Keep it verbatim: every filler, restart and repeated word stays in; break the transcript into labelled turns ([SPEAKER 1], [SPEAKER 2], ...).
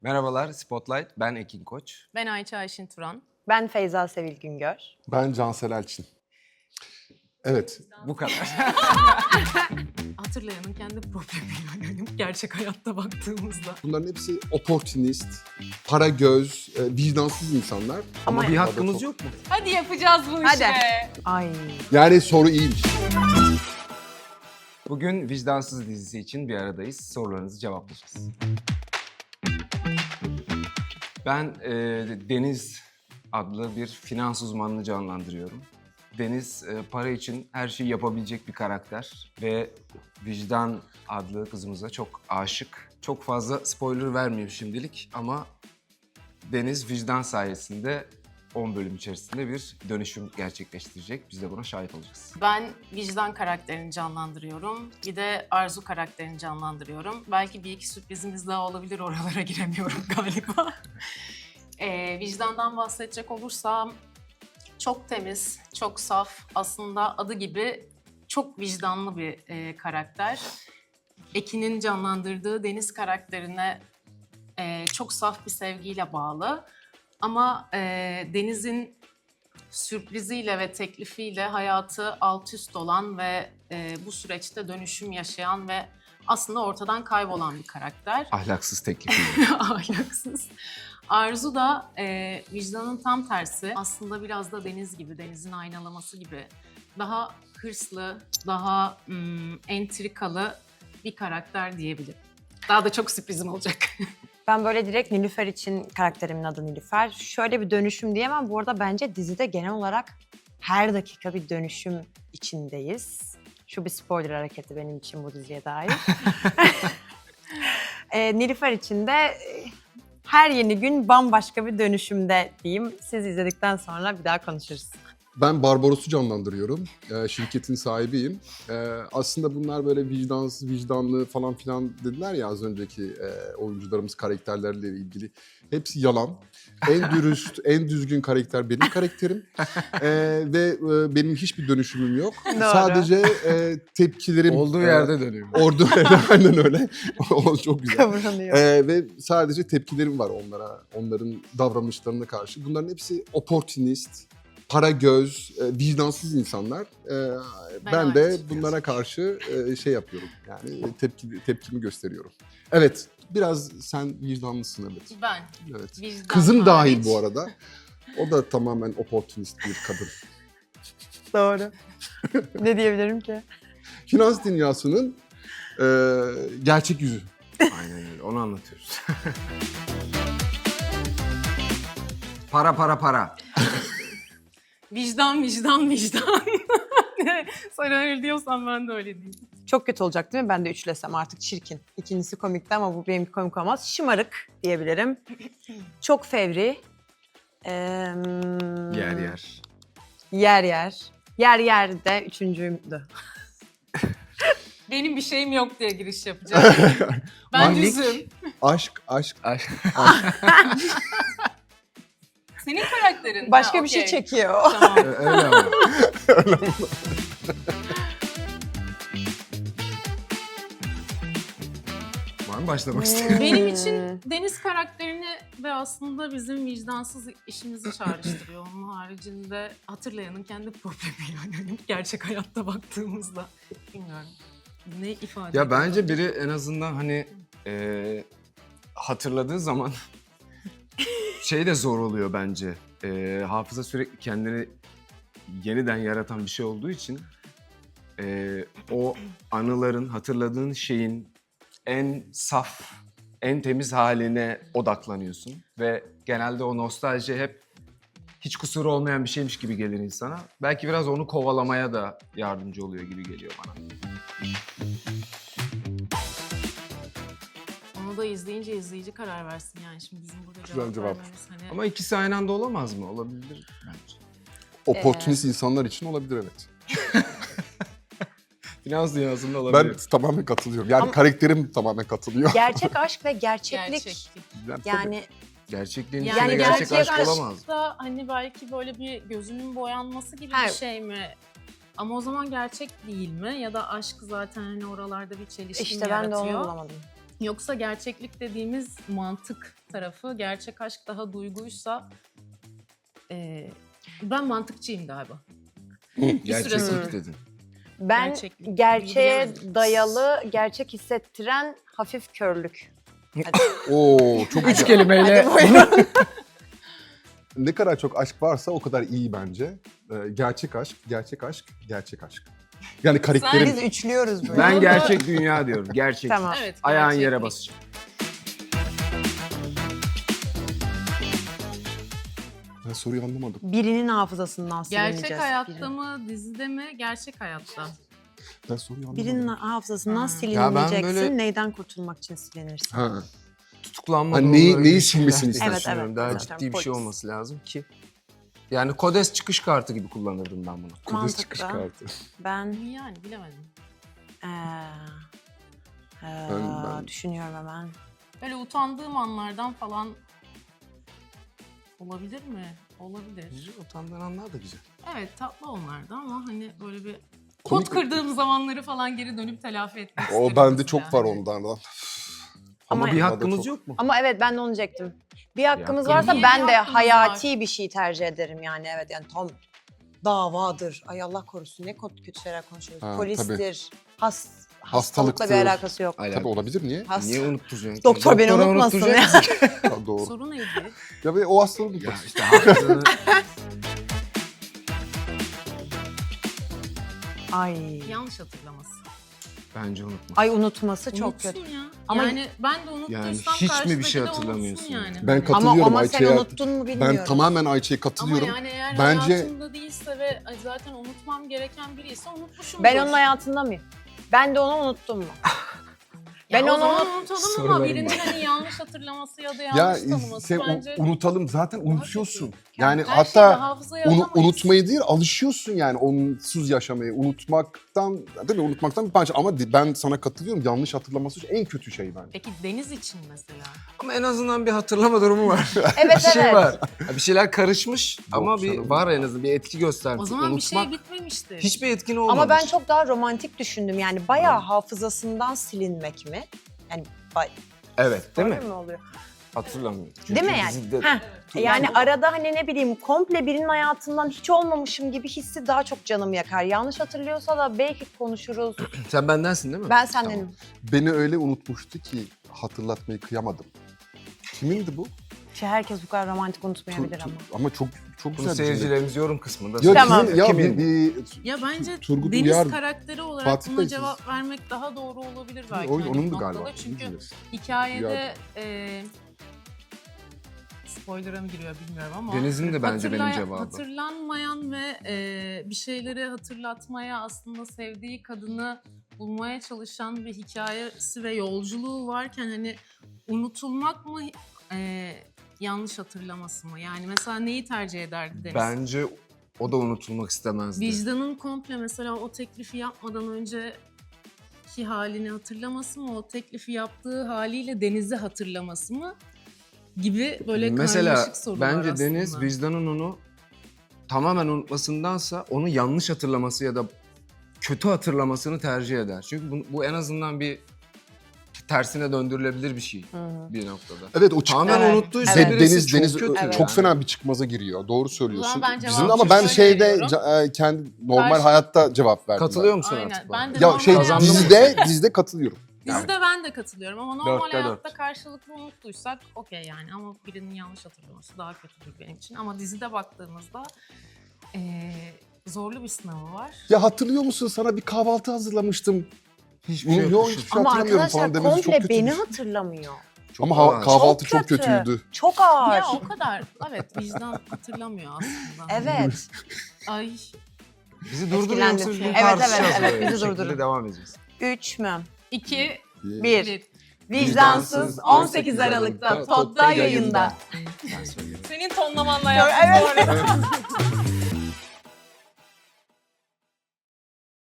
[SPEAKER 1] Merhabalar Spotlight, ben Ekin Koç.
[SPEAKER 2] Ben Ayça Ayşin Turan.
[SPEAKER 3] Ben Feyza Sevil Güngör.
[SPEAKER 4] Ben Cansel Elçin. Evet.
[SPEAKER 1] Bu kadar.
[SPEAKER 2] Hatırlayanın kendi problemi yani gerçek hayatta baktığımızda.
[SPEAKER 4] Bunların hepsi opportunist, para göz, e, vicdansız insanlar.
[SPEAKER 1] Ama bir
[SPEAKER 4] Ama
[SPEAKER 1] hakkımız
[SPEAKER 4] çok-
[SPEAKER 1] yok mu?
[SPEAKER 2] Hadi yapacağız bu
[SPEAKER 3] Hadi.
[SPEAKER 2] işi.
[SPEAKER 3] Ay.
[SPEAKER 4] Yani soru iyiymiş.
[SPEAKER 1] Bugün Vicdansız dizisi için bir aradayız. Sorularınızı cevaplayacağız. Ben e, Deniz adlı bir finans uzmanını canlandırıyorum. Deniz e, para için her şeyi yapabilecek bir karakter ve Vicdan adlı kızımıza çok aşık. Çok fazla spoiler vermeyeyim şimdilik ama Deniz vicdan sayesinde on bölüm içerisinde bir dönüşüm gerçekleştirecek. Biz de buna şahit olacağız.
[SPEAKER 2] Ben Vicdan karakterini canlandırıyorum. Bir de Arzu karakterini canlandırıyorum. Belki bir iki sürprizimiz daha olabilir, oralara giremiyorum galiba. ee, vicdandan bahsedecek olursam çok temiz, çok saf. Aslında adı gibi çok vicdanlı bir e, karakter. Ekin'in canlandırdığı Deniz karakterine e, çok saf bir sevgiyle bağlı. Ama e, Deniz'in sürpriziyle ve teklifiyle hayatı alt üst olan ve e, bu süreçte dönüşüm yaşayan ve aslında ortadan kaybolan bir karakter.
[SPEAKER 1] Ahlaksız teklifiyle.
[SPEAKER 2] Ahlaksız. Arzu da e, vicdanın tam tersi. Aslında biraz da Deniz gibi, Deniz'in aynalaması gibi. Daha hırslı, daha mm, entrikalı bir karakter diyebilirim. Daha da çok sürprizim olacak.
[SPEAKER 3] Ben böyle direkt Nilüfer için karakterimin adı Nilüfer. Şöyle bir dönüşüm diyemem. Bu arada bence dizide genel olarak her dakika bir dönüşüm içindeyiz. Şu bir spoiler hareketi benim için bu diziye dair. e, Nilüfer için de e, her yeni gün bambaşka bir dönüşümde diyeyim. Siz izledikten sonra bir daha konuşuruz.
[SPEAKER 4] Ben Barbaros'u canlandırıyorum. E, şirketin sahibiyim. E, aslında bunlar böyle vicdansız, vicdanlı falan filan dediler ya az önceki e, oyuncularımız karakterlerle ilgili. Hepsi yalan. En dürüst, en düzgün karakter benim karakterim. E, ve e, benim hiçbir dönüşümüm yok.
[SPEAKER 3] Doğru.
[SPEAKER 4] Sadece e, tepkilerim...
[SPEAKER 1] Olduğu
[SPEAKER 4] e,
[SPEAKER 1] yerde dönüyor.
[SPEAKER 4] Orada aynen öyle. O çok güzel.
[SPEAKER 3] Kıvranıyor.
[SPEAKER 4] Ee, ve sadece tepkilerim var onlara, onların davranışlarına karşı. Bunların hepsi opportunist, para göz, e, vicdansız insanlar. Ee,
[SPEAKER 2] Ben
[SPEAKER 4] ben de
[SPEAKER 2] aynı
[SPEAKER 4] bunlara karşı e, şey yapıyorum, yani tepki tepkimi gösteriyorum. Evet, biraz sen vicdanlısın evet.
[SPEAKER 2] Ben.
[SPEAKER 4] Evet.
[SPEAKER 2] Vicdan
[SPEAKER 4] Kızım dahil
[SPEAKER 2] hariç.
[SPEAKER 4] bu arada. O da tamamen opportunist bir kadın.
[SPEAKER 3] Doğru. Ne diyebilirim ki?
[SPEAKER 4] Finans dünyasının e, gerçek yüzü.
[SPEAKER 1] Aynen öyle, onu anlatıyoruz. Para para para.
[SPEAKER 2] Vicdan, vicdan, vicdan. Sen öyle diyorsan ben de öyle diyeyim.
[SPEAKER 3] Çok kötü olacak değil mi? Ben de üçlesem artık çirkin. İkincisi komikti ama bu benim komik olmaz. Şımarık diyebilirim. Çok fevri. Ee,
[SPEAKER 1] Yer yer.
[SPEAKER 3] Yer yer. Yer yer de üçüncüydü.
[SPEAKER 2] Benim bir şeyim yok diye giriş yapacağım. Ben
[SPEAKER 1] Annelik.
[SPEAKER 2] düzüm.
[SPEAKER 4] Aşk, aşk.
[SPEAKER 1] Ay,
[SPEAKER 2] Senin karakterin.
[SPEAKER 3] Başka
[SPEAKER 2] Ha,
[SPEAKER 3] bir şey
[SPEAKER 2] okey.
[SPEAKER 3] çekiyor.
[SPEAKER 2] Tamam.
[SPEAKER 1] öyle ama. Var mı başlamak isteyen?
[SPEAKER 2] Benim için Deniz karakterini ve aslında bizim vicdansız işimizi çağrıştırıyor. Onun haricinde hatırlayanın kendi problemi yani gerçek hayatta baktığımızda. Bilmiyorum. Ne ifade
[SPEAKER 1] Ya
[SPEAKER 2] ediyor?
[SPEAKER 1] bence biri en azından hani e, hatırladığı zaman şey de zor oluyor bence. E, hafıza sürekli kendini yeniden yaratan bir şey olduğu için e, o anıların, hatırladığın şeyin en saf, en temiz haline odaklanıyorsun. Ve genelde o nostalji hep hiç kusuru olmayan bir şeymiş gibi gelir insana. Belki biraz onu kovalamaya da yardımcı oluyor gibi geliyor bana.
[SPEAKER 2] Onu da izleyince izleyici karar versin yani. Şimdi bizim burada
[SPEAKER 4] Güzel
[SPEAKER 2] cevap,
[SPEAKER 4] cevap.
[SPEAKER 2] vermemiz hani...
[SPEAKER 1] Ama ikisi aynı anda olamaz mı? Olabilir bence.
[SPEAKER 4] Opportunist insanlar için olabilir evet.
[SPEAKER 1] Finans dünyasında
[SPEAKER 4] Ben
[SPEAKER 1] olabilir.
[SPEAKER 4] tamamen katılıyorum. Yani
[SPEAKER 3] Ama-
[SPEAKER 4] karakterim tamamen katılıyor.
[SPEAKER 3] Gerçek aşk ve gerçeklik.
[SPEAKER 2] Gerçeklik.
[SPEAKER 4] Yani,
[SPEAKER 3] Yani
[SPEAKER 1] Gerçekliğin
[SPEAKER 2] Yani,
[SPEAKER 1] içinde
[SPEAKER 3] gerçek
[SPEAKER 1] gerçek, aşk
[SPEAKER 3] aşk
[SPEAKER 1] olamaz.
[SPEAKER 2] da hani belki böyle bir gözünün boyanması gibi
[SPEAKER 3] Ha.
[SPEAKER 2] bir şey mi? Ama o zaman gerçek değil mi? Ya da aşk zaten hani oralarda bir çelişki mi
[SPEAKER 3] işte ben de
[SPEAKER 2] yaratıyor?
[SPEAKER 3] onu bulamadım.
[SPEAKER 2] Yoksa gerçeklik dediğimiz mantık tarafı, gerçek aşk daha duyguysa e, ben mantıkçıyım galiba.
[SPEAKER 1] Gerçeklik dedin.
[SPEAKER 3] Ben
[SPEAKER 2] Gerçeklik,
[SPEAKER 3] gerçeğe
[SPEAKER 2] bilemedim.
[SPEAKER 3] dayalı, gerçek hissettiren hafif körlük.
[SPEAKER 4] Oo çok
[SPEAKER 1] Üç
[SPEAKER 4] güzel.
[SPEAKER 1] kelimeyle.
[SPEAKER 3] Hadi buyurun.
[SPEAKER 4] Ne kadar çok aşk varsa o kadar iyi bence. Ee, gerçek aşk, gerçek aşk, gerçek aşk. Yani karakterim...
[SPEAKER 3] Biz üçlüyoruz böyle.
[SPEAKER 1] Ben
[SPEAKER 2] Burada-
[SPEAKER 1] gerçek dünya diyorum. Gerçek.
[SPEAKER 3] Tamam.
[SPEAKER 2] Evet,
[SPEAKER 1] Ayağın
[SPEAKER 2] gerçeklik.
[SPEAKER 1] yere basacak.
[SPEAKER 4] Ben soruyu anlamadım.
[SPEAKER 3] Birinin hafızasından silineceğiz.
[SPEAKER 2] Gerçek hayatta
[SPEAKER 3] Biri.
[SPEAKER 2] mı, dizide mi, gerçek hayatta?
[SPEAKER 4] Ben soruyu anlamadım.
[SPEAKER 3] Birinin hafızasından
[SPEAKER 2] Hmm.
[SPEAKER 3] silinmeyeceksin.
[SPEAKER 1] Ya ben böyle-
[SPEAKER 3] Neyden kurtulmak için silinirsin?
[SPEAKER 4] Ha.
[SPEAKER 1] Tutuklanma
[SPEAKER 4] Ha,
[SPEAKER 1] durumları
[SPEAKER 4] neyi-
[SPEAKER 1] gibi
[SPEAKER 4] neyi
[SPEAKER 1] şeyler
[SPEAKER 4] silmesini
[SPEAKER 1] diye
[SPEAKER 4] istersin?
[SPEAKER 3] Evet,
[SPEAKER 1] düşünüyorum.
[SPEAKER 3] evet,
[SPEAKER 1] Daha
[SPEAKER 3] evet.
[SPEAKER 1] ciddi bir şey
[SPEAKER 3] Polis.
[SPEAKER 1] olması lazım ki. Yani Kodes çıkış kartı gibi kullanırdım ben bunu.
[SPEAKER 4] Kudüs
[SPEAKER 3] Mantıklı.
[SPEAKER 4] çıkış kartı.
[SPEAKER 3] Ben
[SPEAKER 2] Yani bilemedim.
[SPEAKER 3] eee, eee,
[SPEAKER 4] Ben- ben-
[SPEAKER 3] düşünüyorum hemen.
[SPEAKER 2] Böyle utandığım anlardan falan olabilir mi? Olabilir.
[SPEAKER 1] Güzel, utandığın anlar da güzel.
[SPEAKER 2] Evet, tatlı onlardı ama hani böyle bir
[SPEAKER 4] Komik-
[SPEAKER 2] pot kırdığım zamanları falan geri dönüp telafi etmek
[SPEAKER 4] O
[SPEAKER 2] isterim
[SPEAKER 4] bende
[SPEAKER 2] mesela.
[SPEAKER 4] çok var ondan.
[SPEAKER 1] Ama,
[SPEAKER 3] Ama-
[SPEAKER 1] bir
[SPEAKER 4] Bunda
[SPEAKER 1] hakkımız
[SPEAKER 4] çok-
[SPEAKER 1] yok mu?
[SPEAKER 3] Ama evet ben de onu diyecektim. Bir hakkımız
[SPEAKER 1] hakkımız
[SPEAKER 3] varsa
[SPEAKER 2] var.
[SPEAKER 3] ben
[SPEAKER 2] Niye
[SPEAKER 3] de
[SPEAKER 2] bir hakkımız
[SPEAKER 3] hayati bir şey tercih ederim yani evet yani tam davadır. Ay Allah korusun ne kötü kötü şeyler konuşuyoruz.
[SPEAKER 4] Ha,
[SPEAKER 3] Polistir. Has, hastalıkla
[SPEAKER 4] Hastalıktır.
[SPEAKER 3] bir alakası yok.
[SPEAKER 1] Alakalı.
[SPEAKER 4] Tabii olabilir, niye?
[SPEAKER 3] Has-
[SPEAKER 1] Niye unutturuyorsun?
[SPEAKER 3] Doktor beni
[SPEAKER 1] Doktora
[SPEAKER 3] unutmasın ya.
[SPEAKER 1] unutturacak mısın?
[SPEAKER 4] Ha, doğru.
[SPEAKER 2] Soru neydi?
[SPEAKER 4] Ya ve o hastalığı
[SPEAKER 1] Ya
[SPEAKER 4] unutmak.
[SPEAKER 1] işte hafızanı...
[SPEAKER 3] Ay.
[SPEAKER 2] Yanlış hatırlaması.
[SPEAKER 1] Bence unutma.
[SPEAKER 3] Ay unutması çok
[SPEAKER 2] Unutsun
[SPEAKER 3] kötü.
[SPEAKER 2] ya.
[SPEAKER 3] Ama-
[SPEAKER 2] yani ben de unuttursam
[SPEAKER 1] Yani hiç mi bir
[SPEAKER 2] karşıdaki
[SPEAKER 1] şey
[SPEAKER 2] de unutsun
[SPEAKER 1] hatırlamıyorsun?
[SPEAKER 2] yani.
[SPEAKER 4] Ben
[SPEAKER 2] Hani-
[SPEAKER 4] katılıyorum
[SPEAKER 3] Ama, ama sen
[SPEAKER 4] Ayça'ya.
[SPEAKER 3] unuttun mu bilmiyorum.
[SPEAKER 4] Ben tamamen Ayça'ya
[SPEAKER 2] Ama
[SPEAKER 4] katılıyorum.
[SPEAKER 2] yani eğer
[SPEAKER 4] Bence-
[SPEAKER 2] hayatımda değilse ve ay zaten unutmam gereken biriyse unutmuşumdur.
[SPEAKER 3] Ben onun hayatında mıyım? Ben de onu unuttum mu?
[SPEAKER 2] Ya
[SPEAKER 3] ben
[SPEAKER 2] o
[SPEAKER 3] onu
[SPEAKER 2] zaman
[SPEAKER 3] unut-
[SPEAKER 2] unutalım ama
[SPEAKER 1] Sorularım
[SPEAKER 2] birinin
[SPEAKER 1] var.
[SPEAKER 2] hani yanlış hatırlaması ya da
[SPEAKER 4] Ya
[SPEAKER 2] yanlış tanıması
[SPEAKER 4] sen u-
[SPEAKER 2] bence...
[SPEAKER 4] unutalım zaten unutuyorsun. Yani
[SPEAKER 2] Her şeyi de
[SPEAKER 4] hatta
[SPEAKER 2] hafızaya
[SPEAKER 4] unu-
[SPEAKER 2] alamayız.
[SPEAKER 4] unutmayı değil alışıyorsun yani onsuz yaşamayı. Unutmaktan değil mi? Unutmaktan bir parça ama di- ben sana katılıyorum. Yanlış hatırlaması en kötü şey bence.
[SPEAKER 2] Peki Deniz için mesela?
[SPEAKER 1] Ama en azından bir hatırlama durumu var.
[SPEAKER 3] Evet
[SPEAKER 1] bir şey
[SPEAKER 3] evet.
[SPEAKER 1] var. Ya bir şeyler karışmış ama bir
[SPEAKER 4] canım.
[SPEAKER 1] var en azından bir etki göstermiş.
[SPEAKER 2] O zaman bir şey
[SPEAKER 1] Unutmak
[SPEAKER 2] bitmemiştir.
[SPEAKER 1] hiçbir etkin olmamış.
[SPEAKER 3] Ama ben çok daha romantik düşündüm. Yani bayağı hafızasından silinmek mi? Yani bay-
[SPEAKER 1] Evet değil mi?
[SPEAKER 3] Doğru mu oluyor?
[SPEAKER 1] Hatırlamıyorum.
[SPEAKER 3] Değil mi yani?
[SPEAKER 1] dizide-
[SPEAKER 3] Heh. Yani arada hani ne bileyim komple birinin hayatından hiç olmamışım gibi hissi daha çok canımı yakar. Yanlış hatırlıyorsa da belki konuşuruz.
[SPEAKER 1] Sen bendensin değil mi?
[SPEAKER 3] Ben sendenim.
[SPEAKER 4] Beni öyle unutmuştu ki hatırlatmayı kıyamadım. Kimindi bu?
[SPEAKER 3] Ki herkes bu kadar romantik unutmayabilir
[SPEAKER 4] Tu-
[SPEAKER 3] ama.
[SPEAKER 4] tu- ama çok çok
[SPEAKER 1] Bunu
[SPEAKER 4] güzel bir şey.
[SPEAKER 1] seyircilerimiz yorum kısmında.
[SPEAKER 4] Ya,
[SPEAKER 3] Tamam.
[SPEAKER 4] kimin- ya
[SPEAKER 1] Kimin?
[SPEAKER 4] bir, bir
[SPEAKER 2] Ya bence
[SPEAKER 4] Turgut
[SPEAKER 2] Deniz
[SPEAKER 4] Uyar,
[SPEAKER 2] karakteri olarak
[SPEAKER 4] Fatih
[SPEAKER 2] buna
[SPEAKER 4] Bey, siz-
[SPEAKER 2] cevap vermek daha doğru olabilir belki.
[SPEAKER 4] o,
[SPEAKER 2] hani bu
[SPEAKER 4] onundu
[SPEAKER 2] noktada.
[SPEAKER 4] galiba.
[SPEAKER 2] Çünkü
[SPEAKER 4] Bilmiyoruz.
[SPEAKER 2] hikayede e, spoiler'a mı giriyor bilmiyorum ama
[SPEAKER 1] Deniz'in de bence benim
[SPEAKER 2] hatırlay-
[SPEAKER 1] cevabım.
[SPEAKER 2] Hatırlanmayan ve e, bir şeyleri hatırlatmaya aslında sevdiği kadını bulmaya çalışan bir hikayesi ve yolculuğu varken hani unutulmak mı e, yanlış hatırlaması mı? Yani mesela neyi tercih ederdi Deniz?
[SPEAKER 1] Bence o da unutulmak istemezdi.
[SPEAKER 2] Vicdanın komple mesela o teklifi yapmadan önceki halini hatırlaması mı, o teklifi yaptığı haliyle Deniz'i hatırlaması mı gibi böyle
[SPEAKER 1] Mesela
[SPEAKER 2] karmaşık sorular
[SPEAKER 1] bence
[SPEAKER 2] aslında.
[SPEAKER 1] Deniz vicdanın onu tamamen unutmasındansa onu yanlış hatırlaması ya da kötü hatırlamasını tercih eder. Çünkü bu, bu en azından bir tersine döndürülebilir bir şey bir noktada.
[SPEAKER 4] Evet o çık-
[SPEAKER 1] Tamamen
[SPEAKER 3] Evet.
[SPEAKER 1] unuttuysa
[SPEAKER 3] Evet.
[SPEAKER 1] birisi
[SPEAKER 4] Deniz
[SPEAKER 1] çok
[SPEAKER 4] Deniz
[SPEAKER 1] kötü.
[SPEAKER 4] ö-
[SPEAKER 3] Evet.
[SPEAKER 4] çok
[SPEAKER 1] yani.
[SPEAKER 4] fena bir çıkmaza giriyor. Doğru söylüyorsun.
[SPEAKER 2] ben cevabı
[SPEAKER 4] Bizim ama ben
[SPEAKER 2] şöyle
[SPEAKER 4] şeyde
[SPEAKER 2] veriyorum.
[SPEAKER 4] ca- e, kendi normal
[SPEAKER 2] Karşı-
[SPEAKER 4] hayatta cevap verdim.
[SPEAKER 1] Katılıyor musun
[SPEAKER 2] Aynen.
[SPEAKER 1] artık?
[SPEAKER 2] Ben
[SPEAKER 1] bana?
[SPEAKER 2] de
[SPEAKER 4] Ya
[SPEAKER 2] normal
[SPEAKER 4] şey
[SPEAKER 2] hayatta-
[SPEAKER 4] dizide dizide katılıyorum.
[SPEAKER 2] Dizide ben de katılıyorum ama normal
[SPEAKER 1] Dörtte
[SPEAKER 2] hayatta
[SPEAKER 1] dört.
[SPEAKER 2] karşılıklı unuttuysak okey yani ama birinin yanlış hatırlaması daha kötüdür benim için. Ama dizide baktığımızda eee, zorlu bir sınavı var.
[SPEAKER 4] Ya hatırlıyor musun sana bir kahvaltı hazırlamıştım.
[SPEAKER 1] Hiçbir şey
[SPEAKER 4] Yok
[SPEAKER 1] yok.
[SPEAKER 4] hiçbir şey
[SPEAKER 3] Ama
[SPEAKER 4] hatırlamıyorum
[SPEAKER 3] arkadaşlar
[SPEAKER 4] falan demesi çok
[SPEAKER 3] komple
[SPEAKER 4] kötü.
[SPEAKER 3] beni hatırlamıyor.
[SPEAKER 1] Çok
[SPEAKER 4] Ama ha-
[SPEAKER 1] ağır.
[SPEAKER 4] kahvaltı
[SPEAKER 3] Çok
[SPEAKER 4] çok,
[SPEAKER 3] kötü.
[SPEAKER 4] kötüydü.
[SPEAKER 3] Çok ağır.
[SPEAKER 2] Ya o kadar. Evet vicdan hatırlamıyor aslında.
[SPEAKER 3] Evet.
[SPEAKER 2] Ay
[SPEAKER 1] Bizi durduruyor
[SPEAKER 3] Etkilendim.
[SPEAKER 1] musun?
[SPEAKER 3] Evet,
[SPEAKER 1] Tartışacağız
[SPEAKER 3] evet, evet,
[SPEAKER 1] böyle.
[SPEAKER 3] bizi
[SPEAKER 1] Bu şekilde
[SPEAKER 3] durdurun.
[SPEAKER 1] devam edeceğiz.
[SPEAKER 3] Üç mü?
[SPEAKER 2] iki,
[SPEAKER 4] Bir.
[SPEAKER 3] Bir.
[SPEAKER 2] bir.
[SPEAKER 3] Vicdansız on sekiz Aralık'ta Tod'da yayında.
[SPEAKER 1] Ben söyleyeyim.
[SPEAKER 2] Senin tonlamanla yaptım bu arada.